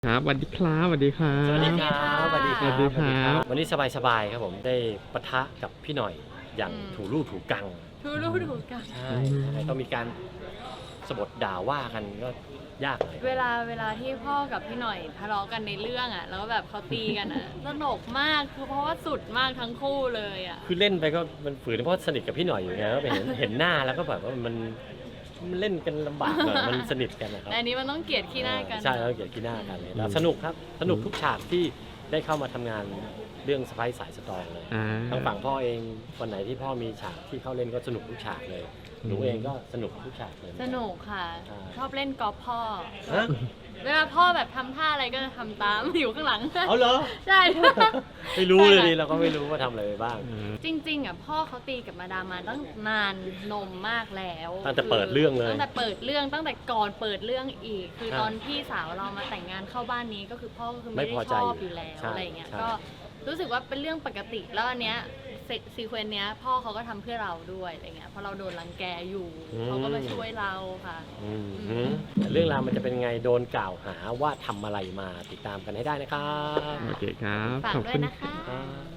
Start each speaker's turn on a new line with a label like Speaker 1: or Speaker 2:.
Speaker 1: ครับสวัสดีครับสวัสดีครับ
Speaker 2: สวัสดีครับสวัสดีครับ
Speaker 1: สวัสดีครับ
Speaker 2: วันนี้สบายๆครับผมได้ปะทะกับพี่หน่อยอย่างถูลู่ถูกัง
Speaker 3: ทูรูถูกกัน
Speaker 2: ใช่ยังไงต้องมีการสบทด่าว่ากันก็ยากหน่อย
Speaker 3: เวลาที่พ่อกับพี่หน่อยทะเลาะกันในเรื่องอ่ะแล้วแบบเขาตีกันอ่ะ สนุกมากคือเพราะว่าสุดมากทั้งคู่เลยอ่ะ
Speaker 2: คือเล่นไปก็มันฝืนเพราะสนิทกับพี่หน่อยอยู่ไงก็ไปเห็นหน้าแล้วก็แบบว่ามันเล่นกันลำบากหน่อยมันสนิทกันนะครับ
Speaker 3: แต่อันนี้มันต้องเกลียดขี้หน้ากัน
Speaker 2: ใช่แล้วเกลียดขี้หน้ากันเลยแล้วสนุกครับสนุกทุกฉากที่ได้เข้ามาทำงานเรื่องสไปซ์สายสตรองเลย ทางฝั่งพ่อเองวันไหนที่พ่อมีฉากที่เข้าเล่นก็สนุกทุกฉากเลยหนูเองก็สนุกทุกฉากเลย
Speaker 3: สนุกค่ะ
Speaker 2: ใช่
Speaker 3: ชอบเล่นกอล์ฟพ่อ
Speaker 2: ฮะ
Speaker 3: เวลาพ่อแบบทำท่าอะไรก็จะทำตาม อยู่ข้างหลัง
Speaker 2: เอาเหรอ
Speaker 3: ใช่
Speaker 2: ไม่รู้เลยดิเราก็ไม่รู้ว่าทำอะไรไปบ้าง
Speaker 3: จริงๆอ่ะพ่อเขาตีกับมาดามมาตั้งนานนมมากแล้ว
Speaker 2: ตั้งแต่เปิดเรื่องเลย
Speaker 3: ตั้งแต่เปิดเรื่องตั้งแต่ก่อนเปิดเรื่องอีก คือ
Speaker 2: ครับ
Speaker 3: ตอนพี่สาวเรามาแต่งงานเข้าบ้านนี้ก็คือพ่อก็คือไม่
Speaker 2: ไม่
Speaker 3: ได้
Speaker 2: พอ
Speaker 3: ช
Speaker 2: ใจ
Speaker 3: อบอยู่แล้ว
Speaker 2: ใช่
Speaker 3: อะไรเงี้ย
Speaker 2: ใช่
Speaker 3: ก็รู้สึกว่าเป็นเรื่องปกติแล้วอันเนี้ยซีเควนต์เนี้ยพ่อเขาก็ทำเพื่อเราด้วยอะไรเงี้ยเพราะเราโดนรังแกอยู่เขาก็มาช่วยเราค่ะ
Speaker 2: แต่เรื่องราวมันจะเป็นไงโดนกล่าวหาว่าทำอะไรมาติดตามกันให้ได้นะครับ
Speaker 1: โอเคครับ
Speaker 3: ฝาก
Speaker 1: ขอบ
Speaker 3: ด้ว
Speaker 1: คุ
Speaker 3: ย
Speaker 1: ณ
Speaker 3: นะคะ
Speaker 2: ครับ